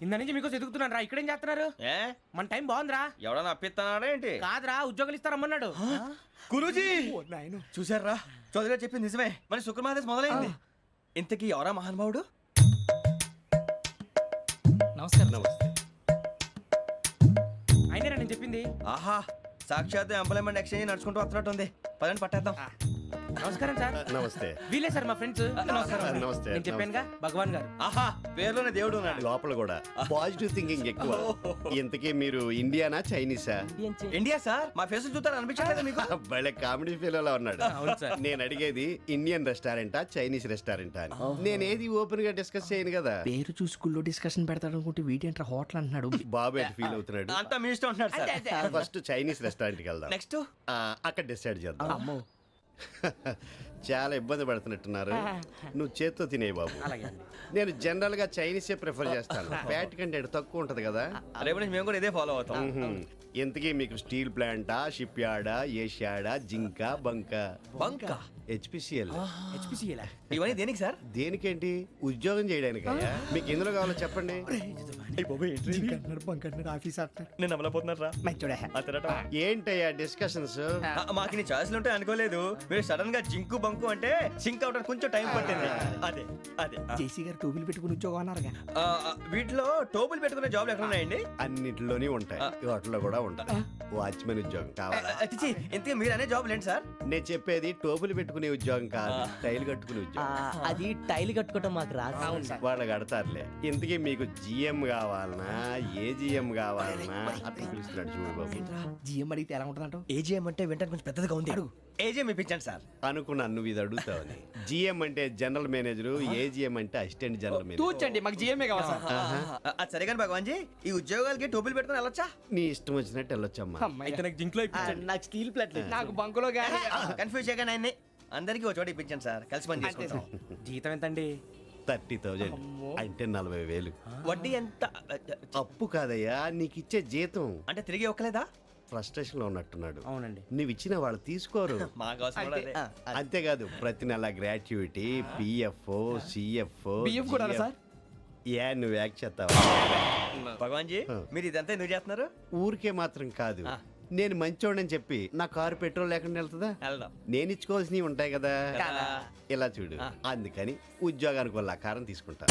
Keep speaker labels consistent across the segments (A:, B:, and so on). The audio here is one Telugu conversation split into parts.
A: ఇంత నుంచి మీకు ఎదుగుతున్నాను రా. ఇక్కడేం చేస్తున్నారు?
B: ఏ
A: మన టైం బాగుందిరా.
B: ఎవడన్నా అప్పిస్తున్నాడా ఏంటి?
A: కాదురా, ఉద్యోగాలు ఇస్తారమ్మన్నాడు.
B: గురూజీ చూసారా, చౌదరి గారు చెప్పింది నిజమే. మరి శుక్రమాదేశ్ మొదలైంది. ఇంతకీ ఎవరా మహానుభావుడు?
C: నమస్కారం. నమస్తే.
A: అయినా నేను చెప్పింది.
B: ఆహా, సాక్షాత్ ఎంప్లాయ్మెంట్ ఎక్స్చేంజ్ నడుచుకుంటూ వస్తున్నట్టు ఉంది. పదండి పట్టేద్దాం.
A: నమస్కారం సార్.
D: నమస్తే.
A: వీలే సార్ మా ఫ్రెండ్స్.
D: నమస్తే.
A: నేను చెప్పానుగా భగవాన్ గారు.
B: ఆహా, పేర్లోనే దేవుడు ఉన్నాడు.
D: లోపల కూడా పాజిటివ్ థింకింగ్ ఎక్కువ. ఇంతకీ మీరు ఇండియానా చైనీసా?
B: India sir. మా ఫేస్ చూస్తారు అనిపించలేదు మీకు?
D: భలే కామెడీ ఫీల్ అలా ఉన్నాడు.
A: అవును సార్.
D: నేను అడిగేది ఇండియన్ రెస్టారెంటా చైనీస్ రెస్టారెంటా అని. నేనేది ఓపెన్ గా డిస్కస్ చేయను కదా.
A: పేరు చూసుకుల్లో డిస్కషన్ పెడతాడు అనుకుంటే వీటేంట్రా హోటల్ అంటున్నాడు.
D: బాబు ఎట్ ఫీల్ అవుతున్నాడు.
B: అంతా మీ ఇష్టం ఉంటున్నాడు సార్.
D: ఫస్ట్ చైనీస్ రెస్టారెంట్ కి వెళ్దాం.
B: నెక్స్ట్
D: అక్కడ డిసైడ్ చేద్దాం. చాలా ఇబ్బంది పడుతున్నట్టున్నారు. నువ్వు చేత్తో తినే బాబు. నేను జనరల్ గా చైనీసే ప్రిఫర్ చేస్తాను. ఫ్యాట్ కంటెంట్ తక్కువ ఉంటది కదా.
B: రేపు నుంచి మేము కూడా ఇదే ఫాలో అవుతాం.
D: ఇంతకీ మీకు స్టీల్ ప్లాంటా, షిప్ యార్డా, ఏషియాడా, జింక, బంకా?
B: బంకా,
D: హెచ్పిసిఎల్.
B: ఇవన్నీ దేనికి సార్?
D: దేనికేంటి? ఉద్యోగం చేయడానికి. మీకు ఎందులో కావాలో చెప్పండి.
B: నేను అమలపోతున్నారా?
D: ఏంటయ్యా డిస్కషన్స్?
B: మాకు నీ ఛాయిస్లు ఉంటాయి అనుకోలేదు. మీరు సడన్ గా జింకు బంకు అంటే సింక్ అవడానికి కొంచెం టైం పట్టింది. అదే అదే
A: జేసీ గారు టోబీలు పెట్టుకుని ఉద్యోగం అన్నారుగా.
B: వీటిలో టోబుల్ పెట్టుకునే జాబ్లు ఎక్కడ ఉన్నాయండి?
D: అన్నిటిలోనే ఉంటాయి, వాటిలో కూడా ఉంటాయి. వాచ్మెన్ ఉద్యోగం కావాలా?
B: ఇంతకీ మీరు అనే జాబ్ ఏంటి సార్?
D: నేను చెప్పేది టోపులు పెట్టుకునే ఉద్యోగం కాదు, టైల్ కట్టుకునే ఉద్యోగం.
E: అది టైల్ కట్టుకోవటం మాకు రాదు.
D: వాళ్ళు కడతారులే. ఇంతకీ మీకు జిఎం కావాలనా, ఏ జిఎం కావాలనా? అట్లా పిలుస్తున్నాడు చూడు బాబు.
A: జిఎం అడిగితే ఎలా ఉంటుందంట?
B: ఏజీఎం అంటే వింటానికి కొంచెం పెద్దదిగా ఉంది. ఏజీఎం ఇప్పించండి సార్.
D: అనుకున్నాను నువ్వు ఇది అడుగుతావని. జిఎం అంటే జనరల్ మేనేజర్, ఏజిఎం అంటే అసిస్టెంట్ జనరల్ మేనేజర్.
A: తూచండి, మాకు జిఎంఏ కావాలి సార్.
B: అది సరే కానీ భగవాన్ జీ, ఈ ఉద్యోగాలకి టోపులు పెట్టుకుని వెళ్ళొచ్చా?
D: నీ ఇష్టం వచ్చినట్టు వెళ్ళొచ్చమ్మా.
A: అయితే నాకు జింక్లో
E: నాకు స్టీల్ ప్లేట్
A: నాకు బంకులో గానీ.
B: కన్ఫ్యూజ్ చేయగానే ఆయన్ని అందరికీ ఒక చోట ఇప్పించండి సార్. కలిసి పని చేసుకుంటాం.
A: జీతం ఎంతండి?
D: 30,000 అంటే 40,000.
B: వడ్డీ ఎంత?
D: అప్పు కాదయ్యా, నీకు ఇచ్చే జీతం.
B: అంటే తిరిగి ఒక్కలేదా?
D: ఫ్రస్ట్రేషన్ లో ఉన్నట్టున్నాడు.
A: అవునండి.
D: నువ్వు ఇచ్చిన వాళ్ళు తీసుకోరు.
B: మాకు అవసరం కూడా అదే.
D: అంతేకాదు ప్రతి నెల గ్రాట్యుటీ, పిఎఫ్, సిఎఫ్.
A: బియ్యం కూడా సార్?
D: ఏ నువ్వు యాక్ట్ చేస్తావా?
B: భగవాన్ జీ, మీరు ఇదంతా ఎందుకు చేస్తున్నారు?
D: ఊరికే మాత్రం కాదు, నేను మంచోడని చెప్పి నా కారు పెట్రోల్ లేకుండా వెళ్తుందా?
B: వెళ్దాం.
D: నేను ఇచ్చుకోవాల్సినవి ఉంటాయి కదా. ఇలా చూడు, అందుకని ఉద్యోగానికి వాళ్ళ ఆకారం తీసుకుంటా.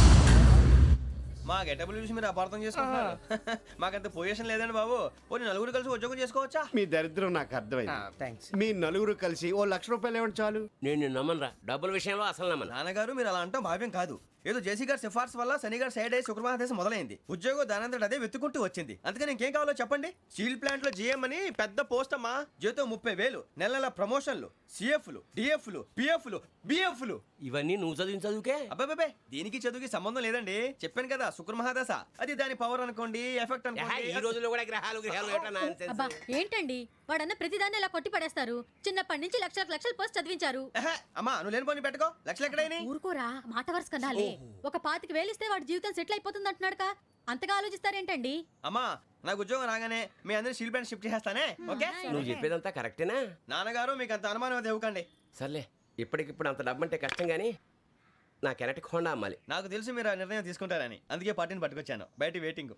B: మా గెటబుల్ చూసి మీరు అపార్థం చేసుకుంటున్నారు. మాకంత పొజిషన్ లేదండి బాబు. పోనీ నలుగురు కలిసి ఉద్యోగం చేసుకోవచ్చా?
D: మీ దరిద్రం నాకు అర్థమైంది.
A: థ్యాంక్స్.
D: మీ నలుగురు కలిసి ఓ ₹1,00,000 ఇవ్వండి చాలు.
C: నేను నమ్మనరా, డబ్బుల విషయంలో అసలు నమ్మను.
B: నాన్నగారు మీరు అలా అంటాం భావ్యం కాదు. ఏదో జేసీ గారి సిఫార్సు వల్ల శని గారు సైడ్ అయ్యి శుక్రవారం మొదలైంది. ఉద్యోగం దానంతటి అదే వెతుకుంటూ వచ్చింది. అందుకని ఇంకేం కావాలో చెప్పండి. స్టీల్ ప్లాంట్ లో జీఎం అని పెద్ద పోస్ట్ అమ్మా. జీతం 30,000, నెల నెల ప్రమోషన్లు, సిఎఫ్లు, డిఎఫ్లు, పిఎఫ్లు, బిఎఫ్లు.
C: ఇవన్నీ నువ్వు చదివిన చదువుకే.
B: అబ్బాబే, దీనికి చదువుకి సంబంధం లేదండి. చెప్పాను కదా, శుక్ర మహాదశ. అది దాని పవర్ అనుకోండి, ఎఫెక్ట్
C: ఈ
B: అనుకోండి.
C: రోజుల్లో కూడా గ్రహాలు ఏటా nonsense.
F: అబ్బా ఏంటండి వాడన్న ప్రతిదాన్ని ఇలా కొట్టి పడేస్తారు. చిన్నప్పటి నుంచి లక్షలు పోస్ట్ చదివించారు.
B: అమ్మా నువ్వు లేని పోనీ పెట్టుకో. లక్షలు ఎక్కడైనా
F: ఊరుకోరా, మాట వరుస కదాలే. ఒక 25,000 ఇస్తే వాడి జీవితం సెటిల్ అయిపోతుంది అంటున్నాడుగా. అంతగా ఆలోచిస్తారేంటండి?
B: అమ్మా నాకు ఉద్యోగం రాగానే మీ అందరూ స్టీల్ ప్లాంట్ షిఫ్ట్ చేస్తానే. ఓకే,
C: నువ్వు చెప్పేదంతా కరెక్టేనా?
B: నాన్నగారు మీకు అంత అనుమానం అది ఇవ్వకండి.
C: సర్లే, ఇప్పటికిప్పుడు అంత డబ్బు అంటే కష్టం కానీ నా కెనటిక్ హోండా అమ్మాలి.
B: నాకు తెలుసు మీరు ఆ నిర్ణయం తీసుకుంటారని, అందుకే పార్టీని పట్టుకొచ్చాను. బయట వెయిటింగ్.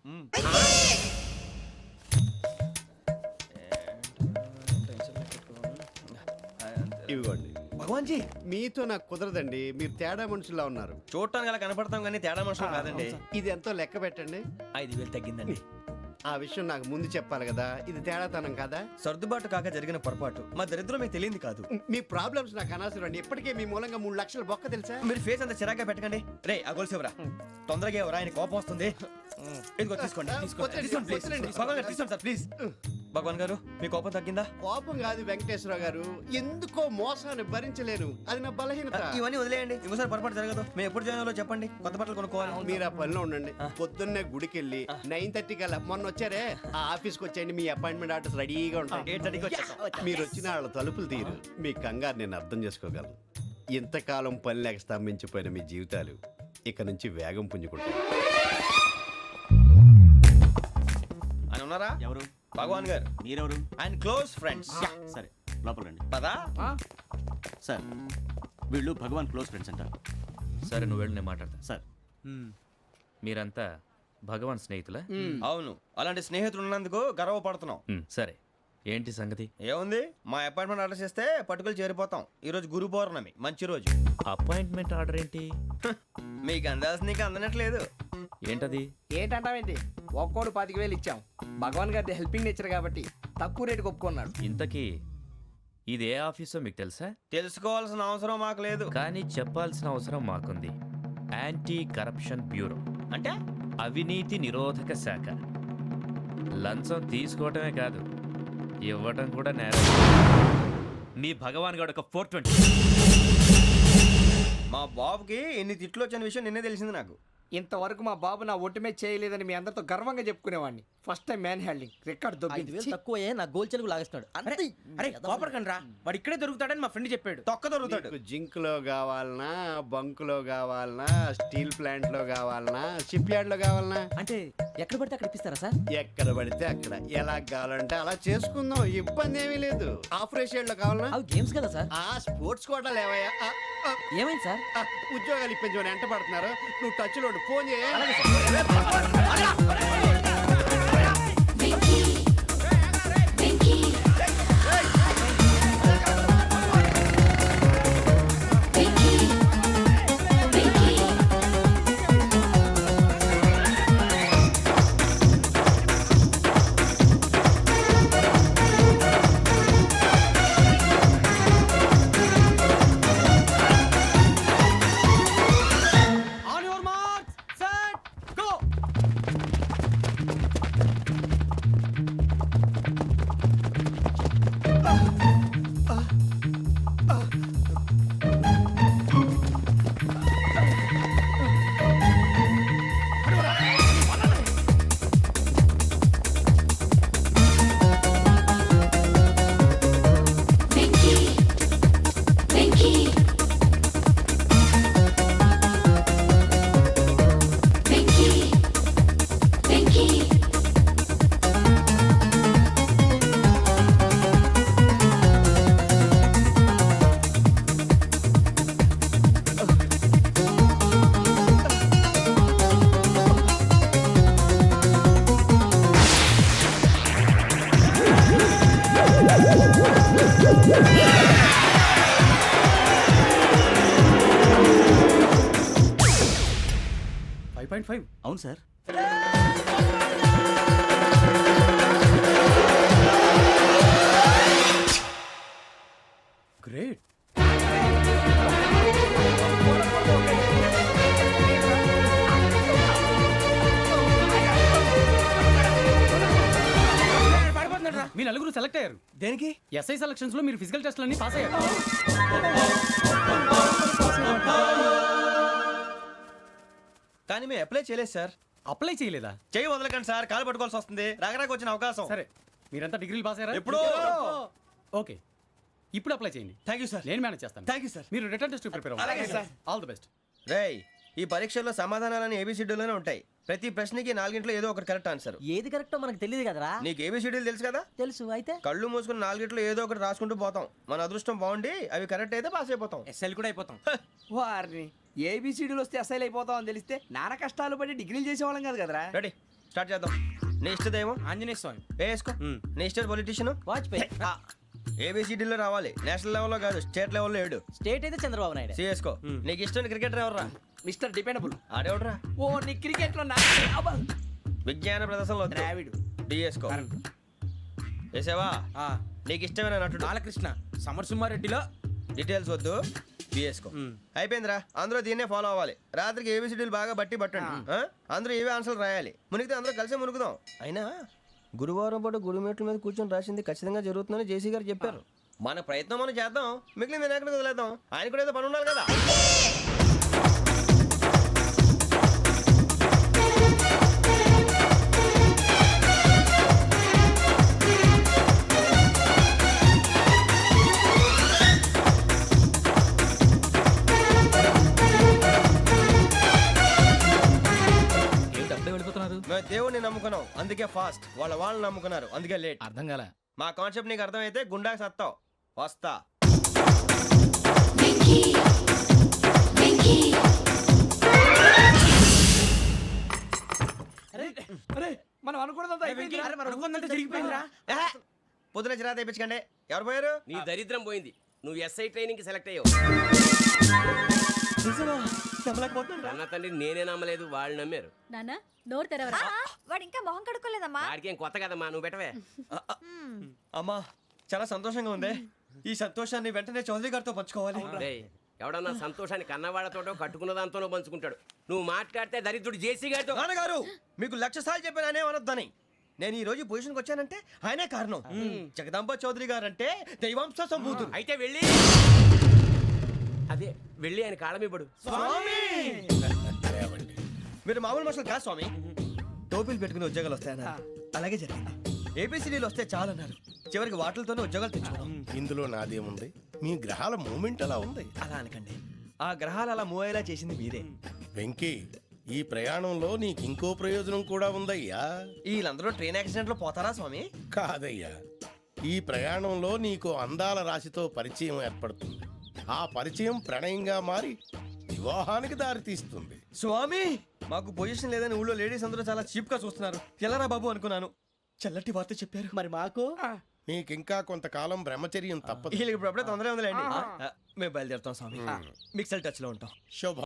D: ఇవ్వండి.
B: భగవాన్ జీ,
D: మీతో నాకు కుదరదండి, మీరు తేడా మనుషుల్లా ఉన్నారు.
B: చూడటానికి అలా కనపడతాం కానీ తేడా మనుషులు కాదండి.
D: ఇది ఎంతో లెక్క పెట్టండి.
B: 5,000 తగ్గిందండి.
D: ఆ విషయం నాకు ముందు చెప్పాలి కదా. ఇది తేడాతనం కదా.
B: సర్దుబాటు కాక జరిగిన పొరపాటు. మా దరిద్రం మీకు తెలియంది కాదు.
D: మీ ప్రాబ్లమ్స్ నాకు అనవసరం అండి. ఇప్పటికే మీ మూలంగా 3 లక్షల బొక్క తెలుసా.
B: మీరు ఫేస్ అంత చిరాగ్గా పెట్టకండి. రే ఆ గొలుసేవరా, తొందరగా ఎవరా, ఆయన కోపం వస్తుంది. ఇదిగో తీసుకోండి. తీసుకోండి ప్లీజ్. భగవాన్ గారు తీసుకోండి సార్ ప్లీజ్. భగవాన్ గారు మీ కోపం తగ్గిందా?
D: కోపం కాదు వెంకటేశ్వర గారు, ఎందుకో మోసాన్ని భరించలేను, అది నా బలహీనత.
B: ఇవన్నీ వదిలేయండి, ఇంకోసారి పొరపాటు జరగదు. మేము ఎప్పుడు జాయిన్ అవ్వాలో చెప్పండి, కొత్త బట్టలు కొనుక్కోవాలి.
D: మీరు ఆ పనిలో ఉండండి. పొద్దున్నే గుడికి వెళ్ళి 9:30 కల్లా, మొన్న వచ్చారే ఆ ఆఫీస్కి వచ్చేయండి. మీ అపాయింట్మెంట్ ఆర్డర్స్ రెడీగా ఉంటాయి.
B: 8:30కి వచ్చేస్తాం.
D: మీరు వచ్చిన వాళ్ళ తలుపులు తీరు. మీ కంగారు నేను అర్థం చేసుకోగలను. ఇంతకాలం పని లేక స్తంభించిపోయిన మీ జీవితాలు ఇక నుంచి వేగం పుంజుకుంటాయి.
B: ఆయన ఉన్నారా?
G: ఎవరు?
B: భగవాన్ గారు.
G: మీరెవరు?
B: ఆయన క్లోజ్ ఫ్రెండ్స్.
G: సరే లోపల రండి.
B: పదా
G: సార్ వీళ్ళు భగవాన్ క్లోజ్ ఫ్రెండ్స్ అంటారు.
H: సరే నువ్వు వెళ్ళి నేను మాట్లాడతా.
G: సార్
H: మీరంతా భగవాన్ స్నేహితులా
B: అవును, అలాంటి స్నేహితులు ఉన్నందుకు గర్వపడుతున్నాం.
H: సరే ఏంటి సంగతి?
B: ఏముంది, మా అపాయింట్మెంట్ ఆర్డర్ చేస్తే పట్టుకులు చేరిపోతాం. ఈ రోజు గురు పౌర్ణమి, మంచి రోజు.
H: అపాయింట్మెంట్ ఆర్డర్ ఏంటి?
B: మీకు అందాల్సిన నీకు అందనట్లేదు.
H: ఏంటది?
E: ఏంటంటావేంటి? ఒక్కోడు 25,000 ఇచ్చాం. భగవాన్ గారి హెల్పింగ్ నేచర్ కాబట్టి తక్కువ రేటుకి ఒప్పుకున్నాడు.
H: ఇంతకీ ఇది ఏ ఆఫీసో మీకు తెలుసా?
B: తెలుసుకోవాల్సిన అవసరం మాకు లేదు.
H: కానీ చెప్పాల్సిన అవసరం మాకుంది. యాంటీ కరప్షన్ బ్యూరో,
B: అంటే
H: అవినీతి నిరోధక శాఖ. లంచం తీసుకోవటమే కాదు, ఇవ్వటం కూడా నేరం. మీ భగవాన్ గారు ఒక 420.
B: మా బాబుకి ఎన్ని తిట్లు వచ్చిన విషయం నిన్నే తెలిసింది నాకు.
E: ఇంతవరకు మా బాబు నా ఒట్టుమే చేయలేదని మీ అందరితో గర్వంగా చెప్పుకునేవాడిని. First time man handing record దొబ్బింది.
A: తక్కువ నా గోల్ చెలుగు లాగేస్తున్నాడు. అరే కోపడకండి రా, వాడు ఇక్కడే దొరుకుతాడని మా ఫ్రెండ్ చెప్పాడు.
B: తొక్క దొరుకుతాడు.
D: నీకు జింక్ లో కావాలనా, బంక్ లో కావాలనా, స్టీల్ ప్లాంట్ లో కావాలనా, షిప్ యార్డ్ లో కావాలనా?
A: అంటే ఎక్కడ పడితే అక్కడ ఇప్పిస్తారా సార్?
D: ఎక్కడ పడితే అక్కడ, ఎలా కావాలంటే అలా చేసుకుందాం, ఇబ్బంది ఏమీ లేదు. ఆపరేషన్ లో కావాలనా?
A: అవి గేమ్స్ కదా సార్.
D: ఆ స్పోర్ట్స్ కోటా లేవయ్యా.
A: ఏమైంది సార్?
D: ఉద్యోగాలు ఇప్పించమని ఎంట పడుతున్నారు. నువ్వు టచ్ లో ఫోన్ చేయ.
G: అవును సార్.
A: గ్రేట్.
I: మీ నలుగురు సెలెక్ట్ అయ్యారు.
B: దేనికి?
I: ఎస్ఐ సెలక్షన్స్ లో మీరు ఫిజికల్ టెస్ట్లన్నీ పాస్ అయ్యారు.
B: కానీ మేము అప్లై చేయలేదు సార్.
I: అప్లై చేయలేదా?
B: చేయి వదలకండి సార్, కాలు పట్టుకోవాల్సి వస్తుంది. రాగరాకు వచ్చిన అవకాశం.
I: సరే, మీరంతా డిగ్రీలు పాస్ అయ్యారా?
B: ఎప్పుడో.
I: ఓకే, ఇప్పుడు అప్లై చేయండి.
B: Thank you sir.
I: నేను మేనేజ్ చేస్తాను.
B: Thank you sir.
I: మీరు రిటర్న్ టెస్ట్ ప్రిపేర్
B: అలాగే
I: అవ్వండి.
B: సార్.
I: All the best.
B: రేయ్, ఈ పరీక్షల్లో సమాధానాలని ఏబిసిడ్యూల్లోనే ఉంటాయి. ప్రతి ప్రశ్నకి 4 ఏదో ఒకటి కరెక్ట్ ఆన్సర్.
A: ఏది కరెక్టో మనకు తెలియదు కదరా.
B: నీకు ఏబిసిడ్యూల్ తెలుసు కదా?
A: తెలుసు. అయితే
B: కళ్ళు మూసుకుని 4 ఏదో ఒకటి రాసుకుంటూ పోతాం. మన అదృష్టం బాగుండి అవి కరెక్ట్ అయితే పాస్ అయిపోతాం.
A: ఎస్ఎల్ కూడా అయిపోతాం.
E: వారిని ఏబిసిడీలు వస్తే అసైల్ అయిపోతాం అని తెలిస్తే నాన్న కష్టాలు పడి డిగ్రీలు చేసేవాళ్ళం కాదు కదరా.
B: రెడీ, స్టార్ట్ చేద్దాం. నీ ఇష్టదేమో
A: ఆంజనేయ స్వామి.
B: వేసుకో. నీ ఇష్ట పొలిటీషియన్
A: వాజ్పేయి.
B: ఏబిసిడీలో రావాలి. నేషనల్ లెవెల్లో కాదు, స్టేట్ లెవెల్లో 7.
A: స్టేట్ అయితే చంద్రబాబు నాయుడు.
B: సిఎస్కో. నీకు ఇష్టం క్రికెటర్ ఎవర్రా?
E: Mister dependable.
B: ఆడేవడరా?
E: ఓ నీ క్రికెట్ లో
B: విజ్ఞాన ప్రదర్శనలో
E: ద్రావిడు.
B: డిఎస్కో. వేసావా? నీకు ఇష్టమైన నటుడు?
A: బాలకృష్ణ. సమర్ సుమారెడ్డిలో
B: డీటెయిల్స్ వద్దు, బిఎస్కో. అయిపోయిందిరా. అందరూ దీన్నే ఫాలో అవ్వాలి. రాత్రికి ఏబిసిడీలు బాగా బట్టి పట్టండి. అందరూ ఏవే ఆన్సర్లు రాయాలి. మునిగితే అందరూ కలిసి మునుగుదాం. అయినా గురువారం పాటు గురుమేట్ల మీద కూర్చొని రాసింది ఖచ్చితంగా జరుగుతుందని జేసీ గారు చెప్పారు. మన ప్రయత్నం మనం చేద్దాం, మిగిలింది నేను ఎక్కడికి వదిలేద్దాం. ఆయన కూడా ఏదో పని ఉండాలి కదా. మేము దేవుడిని నమ్ముకున్నాం, అందుకే ఫాస్ట్. వాళ్ళు నమ్ముకున్నారు, అందుకే లేట్.
I: అర్థం కాలే.
B: మా కాన్సెప్ట్ నీకు అర్థమైతే గుండాకి సత్తావు. వస్తా.
E: మనం అనుకున్నదంతా అయిపోయింది.
A: అరే మనం అనుకున్నదంతా జరిగిపోయిందిరా.
B: ఏహే, పొద్దున చిరా తెప్పించకండి. ఎవరు పోయారు?
C: నీ దరిద్రం పోయింది. నువ్వు ఎస్ఐ ట్రైనింగ్ కి సెలెక్ట్ అయ్యావు. అన్న తండ్రి నేనే నమ్మలేదు, వాళ్ళు నమ్మారు.
F: నాన్న నోరు తెరవరా.
J: వాడు ఇంకా మొహం కడుక్కోలేదమ్మా.
C: వాడికి ఏం కొత్త కదమ్మా, నువ్వు పెట్టవే.
B: అమ్మా చాలా సంతోషంగా ఉంది. ఈ సంతోషాన్ని వెంటనే చౌదరి గారితో పంచుకోవాలి.
C: డేయ్, ఎవడన్నా సంతోషాన్ని కన్నవాళ్లతోటో కట్టుకున్న దాంతోనో పంచుకుంటాడు. నువ్వు మాట్లాడితే దరిద్రుడు జేసీ గారితో.
B: నాన్నగారు మీకు 1,00,000 సార్లు చెప్పాననే అనొద్దని. నేను ఈ రోజు పొజిషన్కి వచ్చానంటే ఆయనే కారణం. జగదాంబ చౌదరి గారు అంటే దైవాంశ సంభూతుడు.
C: అయితే వెళ్ళి అదే వెళ్ళి ఆయన కాళ్ళమివ్వడు.
B: మీరు మామూలు మనుషులు కాదు స్వామి. టోపీలు పెట్టుకుని ఉద్యోగాలు వస్తాయన్నారు, అలాగే జరిగింది. ఏపీసీడీలు వస్తే చాలన్నారు, చివరికి వాటిలతోనే ఉద్యోగాలు తెచ్చుకున్నాం.
K: ఇందులో నాదేముంది? మీ గ్రహాల మూమెంట్ అలా ఉంది.
B: అలా అనకండి, ఆ గ్రహాలు అలా మూవ్ అయ్యేలా చేసింది మీరే.
K: వెంకీ, ఈ ప్రయాణంలో నీకు ఇంకో ప్రయోజనం కూడా ఉందయ్యా.
B: వీళ్ళందరూ ట్రైన్ యాక్సిడెంట్ లో పోతారా స్వామి?
K: కాదయ్యా, ఈ ప్రయాణంలో నీకు అందాల రాశితో పరిచయం ఏర్పడుతుంది. ఆ పరిచయం ప్రణయంగా మారి వివాహానికి దారితీస్తుంది.
B: స్వామి మాకు పొజిషన్ లేదని ఊళ్ళో లేడీస్ అందరూ చాలా చీప్ గా చూస్తున్నారు. ఎలారా బాబు అనుకున్నాను, చల్లటి వార్త చెప్పారు.
A: మరి మాకు
K: నీకింకా కొంతకాలం బ్రహ్మచర్యం తప్పదు.
B: వీళ్ళకి ఇప్పుడు అప్పుడే తొందరగా ఉందిలేండి. మేము బయలుదేరుతాం స్వామి. మిక్సెల్ టచ్ లో ఉంటాం.
K: శుభ